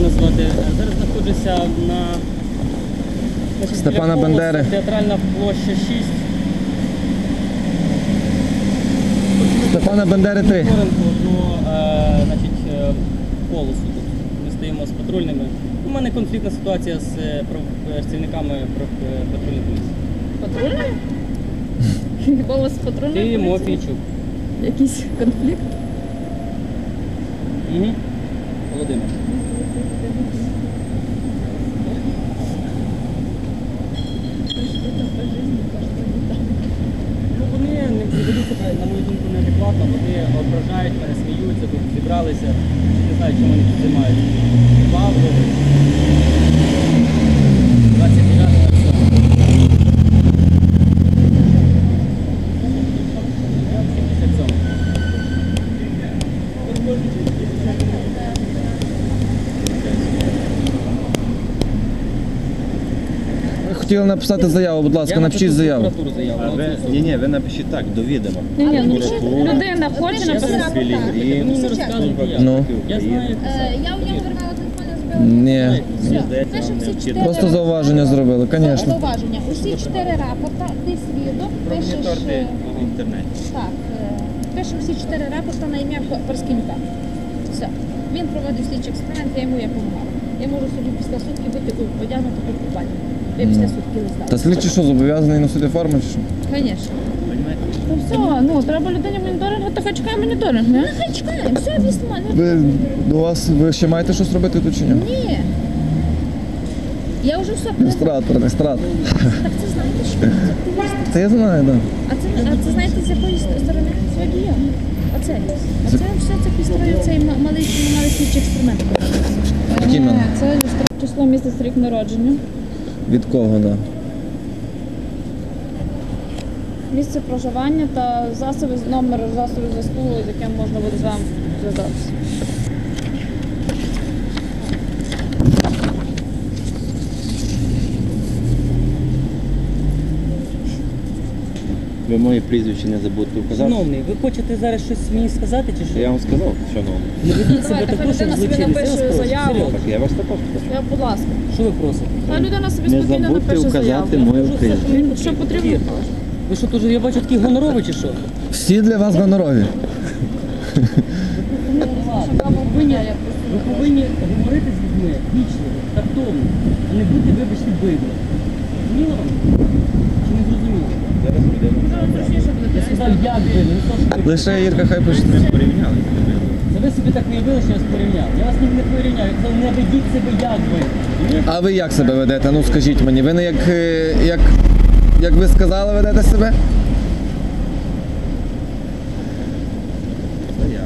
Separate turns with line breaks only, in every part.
мене звати. Зараз знаходжуся на
Степана Бандери.
Театральна площа 6.
Степана Бандери 3.
Полосу тут. Ми стоїмо з патрульними. У мене конфліктна ситуація з працівниками патрульної поліції.
Патрульної? Голос патрульної
Ти
поліції?
Мофійчук.
Якийсь конфлікт?
Угу. Володимир. Ну, вони не ведуть себе, на мою думку, неадекватно, вони ображають мене, сміються, тут зібралися. Не знаю, чому вони тут займаються. Павло. 29
Ви хотіли написати заяву, будь ласка, напишіть заяву.
Ні, ви напишіть так, до відома.
Людина хоче написати.
Ну.
Я знаю, як писати.
Я у нього вирвала телефон, я збила.
Ні.
Мені здається,
Пишемо
нам
всі
необхідно.
4
Просто зауваження зробили, звісно.
зауваження. Усі 4 рапорта, ти свідок, пишеш...
Моніторте в інтернеті.
Так, пишемо всі 4 рапорта на ім'я Парскенюка. Все. Він проводив слідчий експеримент, я йому допомагала. Я можу собі після сутки бути одягнути по купальні. Я після сутки листала.
Та слідчий що, зобов'язаний носити форму чи що?
Звісно.
Ну все, ну треба людині моніторинг, то хай чекає моніторинг, не?
Нехай чекаємо, все вісьма.
Ви ще маєте щось робити тут чи ні?
Ні. Я вже все...
Ілюстратор, ілюстратор.
Так це знаєте, що це активісти.
Та я знаю, так.
А це знаєте, з якої сторони? З водія. Оце. Оце все це підстроїв цей малий слідчий експеримент.
Який мене?
Це число, місяць, рік народження.
Від кого, так?
Місце проживання та номер засобів зв'язку, з яким можна буде з вами зв'язатися.
Ви моє прізвище не забудьте вказати.
Шановний, ви хочете зараз щось мені сказати чи що?
Я вам сказав, шановний.
Не ведіть себе
Давайте,
також,
хай
як
людина собі
злочинець. Я вас
напише
прошу,
заяву.
серйозно.
Так, я вас також прошу.
Я, будь ласка.
Що ви просите?
Хай людина собі
Не
спокійно
забудьте
напише
вказати
заяву.
моє прізвище.
Що потрібно?
Ви що, теж, я бачу, такий гоноровий чи що?
Всі для вас гонорові.
Ви повинні говорити з людьми вічно, тактовно, а не бути, вибачте, бидлом. Зрозуміло вам? Чи не зрозуміло?
Зараз людина.
Я сказав, я бидло, не то, що ви.
Лише Ірка хай пише.
Ми порівняли.
Це ви собі так уявили, що я вас порівняв. Я вас не порівняв, я казав, не ведіть себе як ви. Розумієте?
А ви як себе ведете? Ну скажіть мені, ви не як ви сказали, ведете себе?
Заява.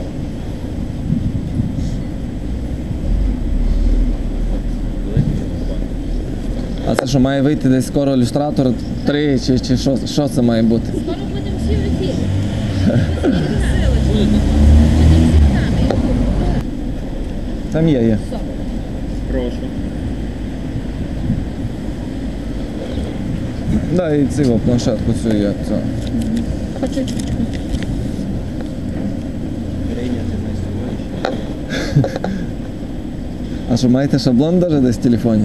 А це що, має вийти десь скоро ілюстратор 3 чи що це має бути?
Скоро будемо всі в ефірі.
Будете?
Будемо всі нами.
Там є.
Прошу.
Да, і цю планшетку цю є. Цю.
Прийняти на сьогодні.
А що, маєте шаблон навіть десь в телефоні?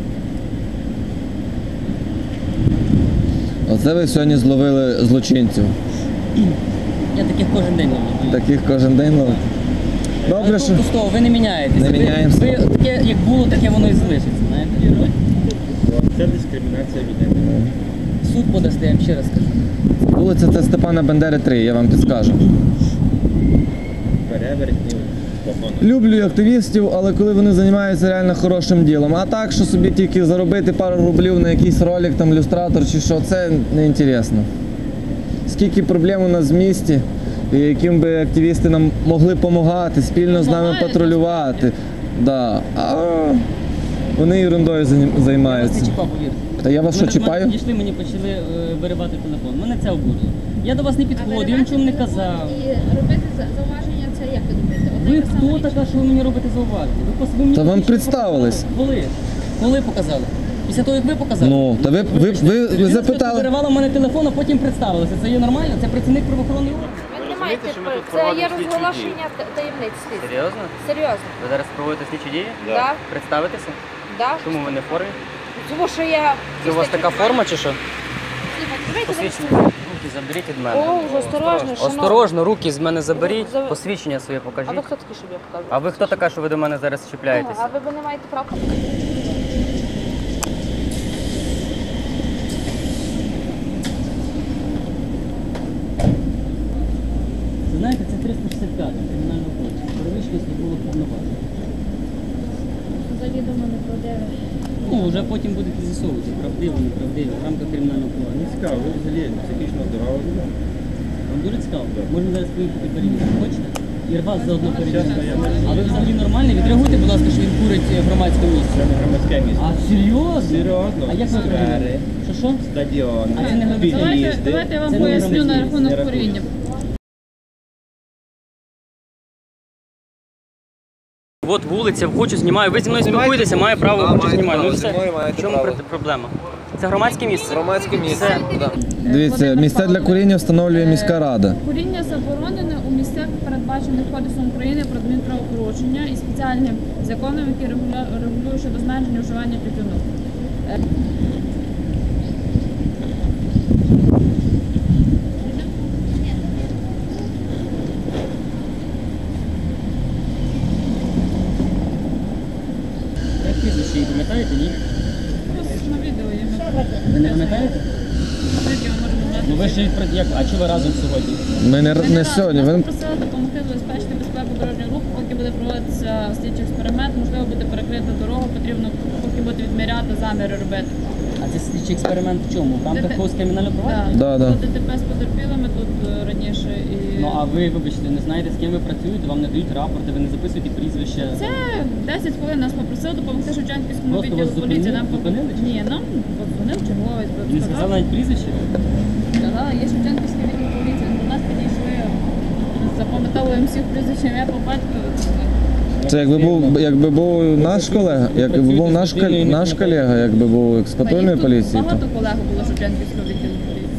Оце ви сьогодні зловили злочинців.
Я таких кожен день ловлю.
Таких кожен день ловите. Добре, що...
Просто ви не міняєтеся.
Не міняємося.
Ви таке, як було, таке воно і залишиться, знаєте.
Це дискримінація людей.
Суд подасте, я вам ще раз скажу.
Вулиця це Степана Бандери 3, я вам підскажу.
Перевертнів. Погано.
Люблю активістів, але коли вони займаються реально хорошим ділом. А так, що собі тільки заробити пару рублів на якийсь ролик, там, ілюстратор чи що, це не інтересно. Скільки проблем у нас в місті, і яким би активісти нам могли допомагати, спільно з нами патрулювати. Да. А вони ерундою
Я вас
займаються.
не чіпав, повірте.
Та я вас що, чіпаю?
Мене підійшли, мені почали виривати телефон. Мене це обурило. Я до вас не підходив, я нічого не казав.
І робити зауваження, це як ви думаєте?
Ви хто така, що ви мені робите зауваження? Ви мені
Та вам
тільки що
представились.
показали. Коли показали? Після того, як ви показали?
Ну, та ви
Людина
запитали.
виривала в мене телефон, а потім представилася. Це є нормально? Це працівник правоохоронної органу?
маєте,
що ми тут
це
проводимо
є
слідчі
розголошення таємниць слідства.
Серйозно?
Серйозно.
Ви зараз проводите слідчі дії?
Да.
Представитеся?
Да.
Чому ви не в формі?
Тому що я...
Це у вас така форма чи що?
Слухайте, давайте
Посвідчення.
зараз-
Руки заберіть від мене.
О, вже осторожно, шановні.
Осторожно, руки з мене заберіть,
За-
посвідчення своє
А ви
покажіть.
хто такий, щоб я показувала?
А ви хто така, що ви до мене зараз
Ага,
чіпляєтеся?
а ви не маєте права?
Це знаєте, це 365 кримінального кодексу. Перевищення службових повноважень.
Взагалі до мене продели.
Ну, вже потім будете з'ясовувати, правдиво, неправдиво, в рамках кримінального провадження.
Цікаво, ви взагалі психічно здорові людина?
Вам дуже цікаво? Можна зараз поїхати перевірити. Хочете? І вас заодно
Чесно,
перевірити.
я не
А ви взагалі нормальні? Відреагуйте, будь ласка, що він курить в громадському місці.
Це не громадське місце.
А серйозно?
Серйозно?
А як ви
Сфери,
перевірите? Що?
стадіон,
А це не громадське
під'їзди.
Давайте я вам
Це не
поясню на
громадське
рахунок
місце, не
куріння.
От вулиця, хочу знімаю. Ви зі мною спілкуєтеся, маю право, хочу
маєте
знімаю.
право,
Ну
зі
все.
мною маєте
В чому
право.
проблема? Це громадське місце.
Громадське місце.
Все.
Да. Дивіться, місця для куріння встановлює міська рада.
Куріння заборонене у місцях, передбачених Кодексом України про адмінправопорушення і спеціальним законом, який регулює щодо зменшення вживання тютюну.
Як прізвище її пам'ятаєте, ні?
На відео є.
Ви не пам'ятаєте?
Відео можемо брати.
Ну ви ж як, а чого ви разом сьогодні?
Ми не сьогодні.
Нас
Ви
попросили допомогти забезпечити безпеку дорожнього руху, поки буде проводитися слідчий експеримент, можливо, буде перекрита дорога, потрібно поки буде відміряти, заміри робити.
А це слідчий експеримент в чому? В рамках когось кримінального провадження?
Да, да.
Тут ДТП з потерпілими тут раніше і...
Ну а ви, вибачте, не знаєте, з ким ви працюєте, вам не дають рапорти, ви не записуєте прізвище.
Це 10 хвилин нас попросили допомогти Шевченківському
Просто
відділу
вас
поліції. Нам
зупинили чи?
Ні, нам подзвонив черговець,
Він сказав навіть прізвище?
сказала, є Шевченківський відділ поліції. До нас підійшли, запам'ятовуємо всіх прізвищ, ім'я по батькові.
Це якби був наш колега, якби був наш колега, якби був з патрульної поліції.
Багато колег було Шевченківського відділу поліції.